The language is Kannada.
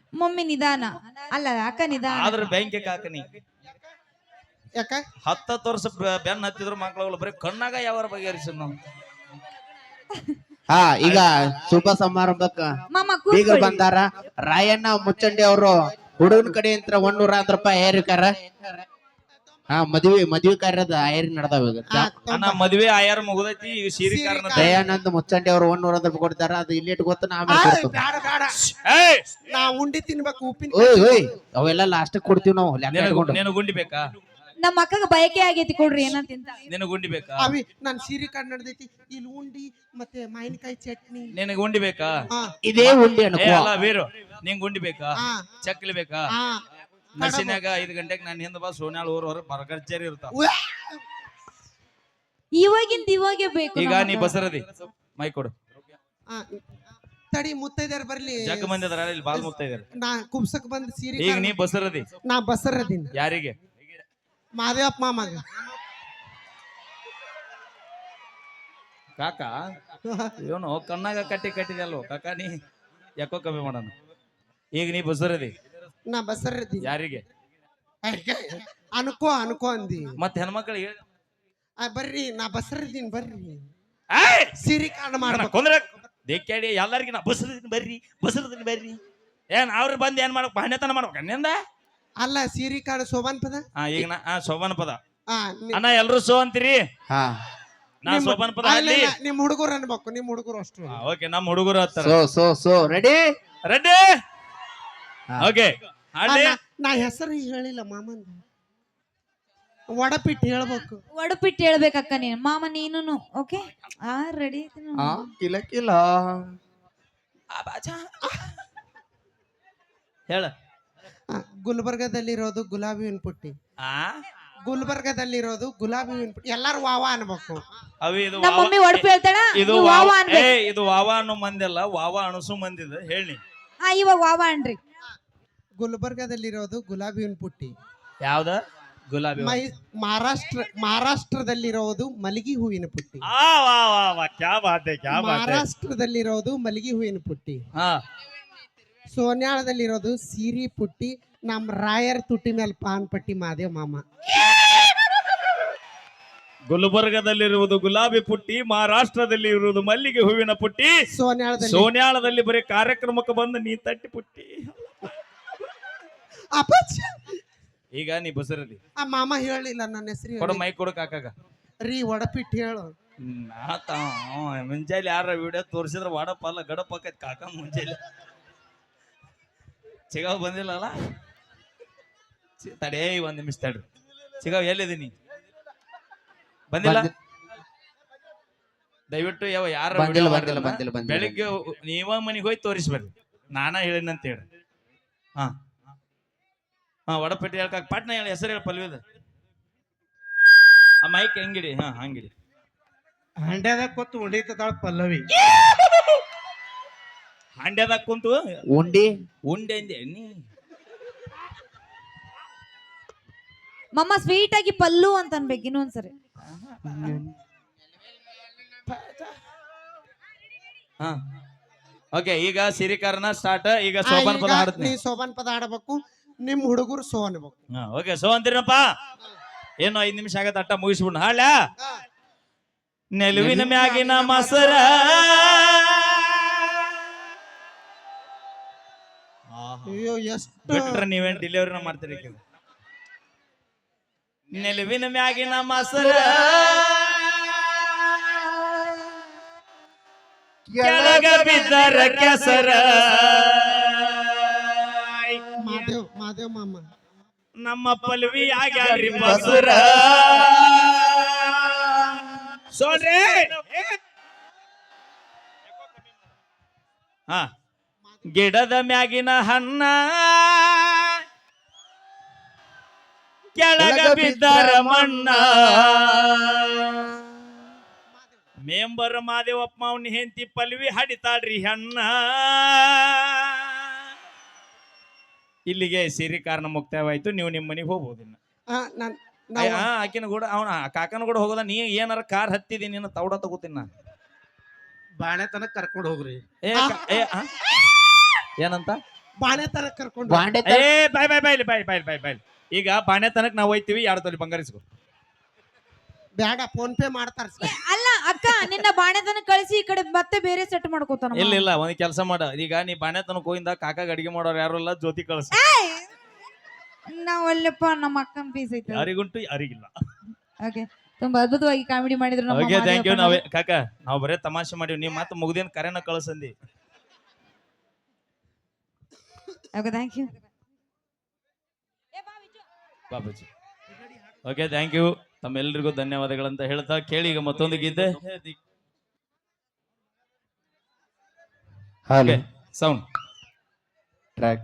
ಮಮ್ಮಿ ನಿಧಾನ. ಅಲ್ಲ ಅಕ್ಕ ನಿಧಾನ. ಆದ್ರ ಬ್ಯಾಂಕಿಗೆ ಹಾಕನಿ ಯಾಕ 10 ವರ್ಷ ಬೆನ್ನ ಹತ್ತಿದ್ರು ಮಕ್ಳುಗಳು ಬರೀ ಕಣ್ಣಾಗ ಯಾವ ಬಗೆಹರಿಸ ನಾವು. ಹಾ ಈಗ ಶುಭ ಸಮಾರಂಭಕ್ಕ ಮಾಮ ಬೀಗರು ಕೂತ್ಕೊಳ್ಳಿ. ಬಂದಾರ. ರಾಯಣ್ಣ ಮುಚ್ಚಂಡಿ ಅವರು ಹುಡುಗನ ಕಡೆ ಅಂತ 110 ರೂಪಾಯಿ ಏರಿಕಾರ. ಹಾ ಮದ್ವಿ ಕಾರ್ಯದ ಏರಿ ನಡೆದಾವ ಈಗ. ಅಣ್ಣ ಮದ್ವೆ ಆಯಾರ ಮುಗುದೈತಿ ಈಗ ಸೀರೆ ಕಾರಣ ದಯಾನಂದ್ ಮುಚ್ಚಂಡಿ ಅವರು 110 ರೂಪಾಯಿ ಕೊಡ್ತಾರ. ಅದು ಇಲ್ಲಿ ಗೊತ್ತ ನಾ ಆಮೇಲೆ ಕೊಡ್ತೀವಿ. ಬೇಡ ಬೇಡ ಏಯ್ ನಾ ಉಂಡಿ ತಿನ್ಬೇಕು ಉಪ್ಪಿನ ಓಯ್ ಓಯ್ ಅವೆಲ್ಲ ಲಾಸ್ಟ್ ಕೊಡ್ತೀವಿ ನಾವು ಲೆಕ್ಕ ಇಟ್ಕೊಂಡು. ನೀನು ಗುಂಡಿ ಬೇಕಾ? ನಮ್ಮ ಅಕ್ಕಗ ಬಯಕೆ ಆಗೈತಿ ಕೊಡ್ರಿ ಏನಂತ ತಿಂತ. ನಿನಗೆ ಗುಂಡಿ ಬೇಕಾ? ಅವಿ ನನ್ ಸೀರೆ ಕಾರ್ಡ್ ನಡೆದೈತಿ ಇಲ್ಲಿ ಉಂಡಿ ಮತ್ತೆ ಮಾವಿನಕಾಯಿ ಚಟ್ನಿ. ನಿನಗೆ ಗುಂಡಿ ಬೇಕಾ? ಹಾ ಇದೇ ಉಂಡಿ ಏ ಅನ್ಕೋ. ಅಲ್ಲ ವೀರು ನಿಂಗ್ ಗುಂಡಿ ಬೇಕಾ? ಹಾ ಚಕ್ಲಿ ಬೇಕಾ? ಹಾ ನಸಿನ್ಯಾಗ 5 ಗಂಟೆಗೆ ನಾನು ಹಿಂದ ಬಾ ಸೋನ್ಯಾಳ ಊರ್ ಬರ್ಗರ್ಜರಿ ಇರ್ತಾವ. ಇವಾಗೆ ಬೇಕು. ಈಗ ನಮಗ. ನೀ ಬಸರದಿ ಮೈ ಕೊಡು. ಹಾ. ತಡಿ ಮುತ್ತೈದೆಯರ್ ಬರ್ಲಿ. ಜಗ್ ಮಂದಿ ಅದಾರ ಇಲ್ಲಿ ಬಾಲ್ ಮುಗ್ತಾ ಇದಾರೆ. ನಾ ಕುಬ್ಸಕ್ ಬಂದ್ ಸೀರೆ ಈಗ ಕಾರ್ಡ್- ನೀ ಬಸರದಿ ನಾ ಬಸರದಿನ ಯಾರಿಗೆ? ಮಾದೇವಪ್ಪ ಮಾಮಗ. ಕಾಕ ಇವನು ಕಣ್ಣಾಗ ಕಟ್ಟಿದೆ ಅಲ್ವ ಕಾಕ ನೀ ಯಾಕೋ ಕಮ್ಮಿ ಮಾಡೋಣ. ಈಗ ನೀ ಬಸರದಿ ನಾ ಬಸರದಿ ಯಾರಿಗೆ? ಅನ್ಕೋ ಅಂದಿ. ಮತ್ತೆ ಹೆಣ್ಮಕ್ಳಿಗೆ ಹೇಳಿ. ಬರ್ರಿ ನಾ ಬಸರದಿನ್ ಬರ್ರಿ ಏಯ್! ಸೀರೆ ಕಾರ್ಡ್ ಮಾಡ್ಬೇಕು. ಕೊಂದ್ರೆ ದೇಕ್ಕಾಡಿ ಎಲ್ಲಾರ್ಗಿ ನಾ ಬಸರದಿನ ಬರ್ರಿ ಏನ್ ಅವ್ರು ಬಂದ್ ಏನ್ ಮಾಡ್ಬೇಕು? ಬಾಣ್ಯತನ ಮಾಡ್ಬೇಕು ಅನ್ನಿಂದ. ಅಲ್ಲ ಸೀರೆ ಕಾರ್ಡ್ ಶೋಭಾನ್ ಪದ. ಈಗ ನಾ ಶೋಭಾನ ಪದ ಹಾ ಅಣ್ಣ ಎಲ್ರು ಸೋ ಅಂತೀರಿ. ಹಾ ನಾ ಶೋಭಾನ ಪದ ಅಲ್ಲ, ಅಲ್ಲಿ ಇಲ್ಲ, ನಿಮ್ ಹುಡುಗರು ಅನ್ಬೇಕು. ನಿಮ್ ಹುಡುಗರು ಅಷ್ಟು ಓಕೆ ನಮ್ಮ ಹುಡುಗರು ಹತ್ತಾರ ಸೋ ರೆಡಿ ರೆಡ್ಡಿ ಓಕೆ ಅಲ್ಲಿ ನಾ ಹೆಸರು ಹೇಳಿಲ್ಲ ಮಾಮಂದ. ವಡಪಿಟ್ಟು ಹೇಳ್ಬೇಕು. ಒಡಪಿಟ್ಟು ಹೇಳ್ಬೇಕಕ್ಕ ನೀನು ಮಾಮ ನೀನು. Okay ready. ಕಿಲ ಕಿಲ ಹೇಳ. ಗುಲ್ಬರ್ಗದಲ್ಲಿರೋದು ಗುಲಾಬಿ ಹೂವಿನ ಪುಟ್ಟಿ. ಗುಲ್ಬರ್ಗದಲ್ಲಿರೋದು ಗುಲಾಬಿ ಹೂವಿನ ಪುಟ್ಟಿ. ಎಲ್ಲಾರು ವಾವ ಅನ್ಬೇಕು. ಅವಿ ಇದು ನಮ್ಮ ಮಮ್ಮಿ ಒಡಪಿ ಹೇಳ್ತಾಳ. ಇದು ನೀವು ವಾವ ಅನ್ಬೇಕು. ಇದು ವಾವ ಅನ್ನೋ ಮಂದಿ ಅಲ್ಲ, ವಾವ ಅಣಸು ಮಂದಿದ ಹೇಳಿ. ಇವಾಗ ವಾವ ಅನ್ರಿ. ಗುಲ್ಬರ್ಗದಲ್ಲಿರೋದು ಗುಲಾಬಿ ಹೂವಿನ ಪುಟ್ಟಿ. ಯಾವ್ದ ಗುಲಾಬಿ? ಮಹಾರಾಷ್ಟ್ರದಲ್ಲಿರೋದು ಮಲಗಿ ಹೂವಿನ ಪುಟ್ಟಿ. ಕ್ಯಾ ಬಾತೆ ಕ್ಯಾ ಬಾತೆ. ಮಹಾರಾಷ್ಟ್ರದಲ್ಲಿರೋದು ಮಲಗಿ ಹೂವಿನ ಪುಟ್ಟಿ. ಸೋನ್ಯಾಳದಲ್ಲಿರೋದು ಸೀರಿ ಪುಟ್ಟಿ. ನಮ್ ರಾಯರ್ ತುಟಿ ಮೇಲೆ ಪಾನ್ ಪಟ್ಟಿ ಮಾದೇವ್ ಮಾಮ. ಗುಲ್ಬರ್ಗದಲ್ಲಿರುವುದು ಗುಲಾಬಿ ಪುಟ್ಟಿ, ಮಹಾರಾಷ್ಟ್ರದಲ್ಲಿ ಇರುವುದು ಮಲ್ಲಿಗೆ ಹೂವಿನ ಪುಟ್ಟಿ, ಸೋನ್ಯಾಳದಲ್ಲಿ ಬರೀ ಕಾರ್ಯಕ್ರಮಕ್ಕೆ ಬಂದು ನೀ ತಟ್ಟಿ ಪುಟ್ಟಿ. ಈಗ ನೀ ಬಸರದಿ. ಆ ಮಾಮ ಹೇಳಿಲ್ಲ ನನ್ನ ಹೆಸರು. ಕೊಡ ಮೈ ಕೊಡು ಕಾಕಾಗ. ರೀ ವಡಪಿಟ್ಟು ಹೇಳು. ಮುಂಜಾನೆ ಯಾರ ವಿಡಿಯೋ ತೋರಿಸಿದ್ರೆ ವಾಡಪ್ಪ ಅಲ್ಲ ಗಡಪ್ ಆಕೈತಿ ಕಾಕ. ಮುಂಜಾನೆ ಚಿಗಾವ್ ಬಂದಿಲ್ಲಲ್ಲ. ತಡೇ 1 ನಿಮಿಷ ತಡ್ರಿ. ಚಿಗಾವ್ ಎಲ್ಲಿದ್ದೀನಿ? ಬಂದಿಲ್ಲ. ದಯವಿಟ್ಟು ಯಾರ ಬೆಳಿಗ್ಗೆ ನೀವ ಮನಿಗೆ ಹೋಗಿ ತೋರಿಸ್ಬರ್ರಿ. ನಾನ ಹೇಳಿನಂತ ಹೇಳಿ. ಹಾ ವಡಪೆಟ್ಟಿ ಹೇಳ್ಕಾಕ ಪಾಟ್ನ ಹೇಳಿ ಹೆಸರು ಹೇಳಿ ಪಲ್ವಿದ. ಆ ಮೈಕ್ ಹೆಂಗಿಡಿ? ಹಂಗಿಡಿ. ಹಂಡ್ಯಾದಾಗ ಕೂತು ಹೊಡಿತಾಳ ಪಲ್ಲವಿ. ಹಾಂಡ್ಯದಾಗ ಕುಂತು ಉಂಡಿ ಅಂದೆ ನೀ. ಮಮ್ಮ ಸ್ವೀಟ್ ಆಗಿ ಪಲ್ಲು ಅಂತ ಅನ್ಬೇಕು ಇನ್ನೊಂದ್ಸರಿ. ಓಕೆ ಈಗ ಸಿರಿಕಾರನ ಸ್ಟಾರ್ಟ್. ಈಗ ಸೋಪಾನ್ ಪದ ಹಾಡ್ತೀನಿ. ನೀ ಸೋಬಾನ್ ಪದ ಹಾಡಬೇಕು. ನಿಮ್ ಹುಡುಗರು ಸೋ ಅನ್ಬೇಕು. ಓಕೆ ಸೋ ಅಂತೀರಪ್ಪ. ಏನು 5 ನಿಮಿಷ ಆಗತ್ತ ಅಟ್ಟ ಮುಗಿಸ್ಬಿಡ್ ಹಾಳ. ನೆಲುವಿನ ಮ್ಯಾಗಿನ ಮಸರ ಅಯ್ಯೋ ಎಷ್ಟು ಬಿಟ್ರೆ ನೀವೇನ್ ಡೆಲಿವರಿನ ಮಾಡ್ತೀರಿ. ನೆಲುವಿನ ಮ್ಯಾಗಿನ ಮಸರ ಕೆಳಗ ಬಿದ್ದರ ಕೆಸರ. ಮಾದೇವ್ ಮಾಮ ನಮ್ಮ ಪಲ್ವಿ ಆಗ್ಯಾರಿ ಬಸುರ. ಸೋಡ್ರಿ ಗಿಡದ ಮ್ಯಾಗಿನ ಹಣ್ಣ ಕೆಳಗ ಬಿದ್ದರ ಮಣ್ಣ. ಮೆಂಬರ್ ಮಾದೇವಪ್ಪ ಅವನ ಹೆಂಡತಿ ಪಲ್ವಿ ಹಡಿತಾಳ್ರಿ ಹಣ್ಣ. ಇಲ್ಲಿಗೆ ಸಿರಿ ಕಾರಣ ಮುಕ್ತಾಯವಾಯ್ತು. ನೀವು ನಿಮ್ಮ ಮನೆಗೆ ಹೋಗ್ಬೋದು. ಆಕಿನ ಕೂಡ ಅವನ ಕಾಕನ ಕೂಡ ಹೋಗೋದ. ನೀ ಏನಾರ ಕಾರ್ ಹತ್ತಿದಿ ನೀನು ತೌಡ ತಗೋತೀನಿ ನಾನು. ಬಾಣೆ ತನಕ ಕರ್ಕೊಂಡು ಹೋಗ್ರಿ. ಏನಂತ? ಬಾಣೆ ತರ ಕರ್ಕೊಂಡು ಬಾಂಡೆ ಏ ಬಾಯ್ ಈಗ ಬಾಣೆತನಕ್ ನಾವ್ ಹೋಯ್ತಿವಿ 2 ತೊಲಿ ಬಂಗಾರ ಇಸ್ಕೊ. ಬೇಡ ಫೋನ್ ಪೇ ಮಾಡ್ತಾರ ಸರ್. ಅಲ್ಲ ಅಕ್ಕ ನಿನ್ನ ಬಾಣೆತನ ಕಳಿಸಿ ಈ ಕಡೆ ಮತ್ತೆ ಬೇರೆ ಸೆಟ್ ಮಾಡ್ಕೋತಾನ ಇಲ್ಲ ಒಂದ್ ಕೆಲಸ ಮಾಡ, ಈಗ ನೀ ಬಾಣೆತನಕ್ ಹೋಗಿಂದ ಕಾಕಾಗ ಅಡಿಗೆ ಮಾಡೋರು ಯಾರು ಇಲ್ಲ, ಜ್ಯೋತಿ ಕಳ್ಸ. ನಾವ್ ಅಲ್ಲಪ್ಪ ನಮ್ಮ ಅಕ್ಕನ ಪೀಸ್ ಐತೆ. ಯಾರಿಗುಂಟು ಯಾರಿಗಿಲ್ಲ. ಓಕೆ, ತುಂಬಾ ಅದ್ಭುತವಾಗಿ ಕಾಮಿಡಿ ಮಾಡಿದ್ರು ನಮ್ಮ ಓಕೆ, ಥ್ಯಾಂಕ್ ಯು. ಮಾದೇವಪ್ಪನವರು. ನಾವೇ ಕಾಕ ನಾವ್ ಬರೇ ತಮಾಷೆ ಮಾಡಿವಿ, ನೀವ್ ಮತ್ತೆ ಮುಗ್ದೇನ್ ಕರೆನ ಕಳ್ಸಂದಿ. Okay, thank you Babaji. Okay, thank you. ತಮ್ಮೆಲ್ಲರಿಗೂ ಧನ್ಯವಾದಗಳಂತ ಹೇಳ್ತಾ ಕೇಳಿ ಈಗ ಮತ್ತೊಂದು ಗೀತೆ. ಹಾಲು ಸೌಂಡ್ ಟ್ರ್ಯಾಕ್